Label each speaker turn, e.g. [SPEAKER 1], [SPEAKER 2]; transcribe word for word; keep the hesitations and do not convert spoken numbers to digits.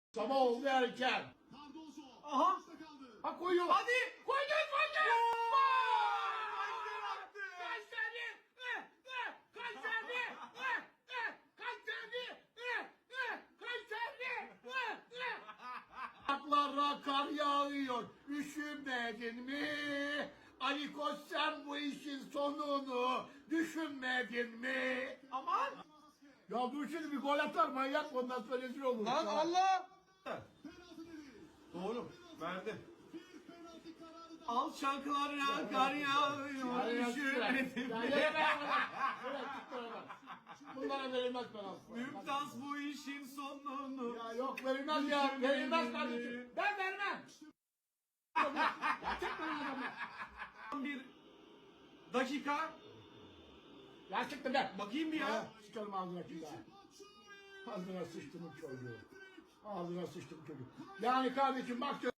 [SPEAKER 1] Sabah oldu erken.
[SPEAKER 2] Aha.
[SPEAKER 1] Ha koyuyor.
[SPEAKER 2] Hadi.
[SPEAKER 1] Koydu koydu.
[SPEAKER 2] Kayseri attı.
[SPEAKER 1] Kayseri. Eh, eh, Kayseri. Eh, eh, Kayseri. Eh, eh, Kayseri. Eh, eh. Aklara kar yağıyor. Üşümedin mi? Ali Koç sen bu işin sonunu düşünmedin mi?
[SPEAKER 2] Aman.
[SPEAKER 1] Ya dur şimdi bir gol atar manyak ondan sonra rezil olur.
[SPEAKER 2] Lan
[SPEAKER 1] Ya.
[SPEAKER 2] Allah. Doğru. Verdi. Al şarkılar ya kar yağıyor.
[SPEAKER 1] Ya, ya,
[SPEAKER 2] Üşümedim.
[SPEAKER 1] ya, ya, ya, ya, git bana. Bunlara verilmez penaltı.
[SPEAKER 2] Mümtaz bu işin sonunu.
[SPEAKER 1] Ya yok verilmez ya. Verilmez kardeşim. Ben vermem. Ya çek bana adamı.
[SPEAKER 2] Bir dakika.
[SPEAKER 1] Ya çıktı be.
[SPEAKER 2] Bakayım bir ya.
[SPEAKER 1] Ya sıçarım ağzına şimdi ha. Ağzına sıçtım çocuğu. Ağzına sıçtım çocuk. Yani kardeşim bak.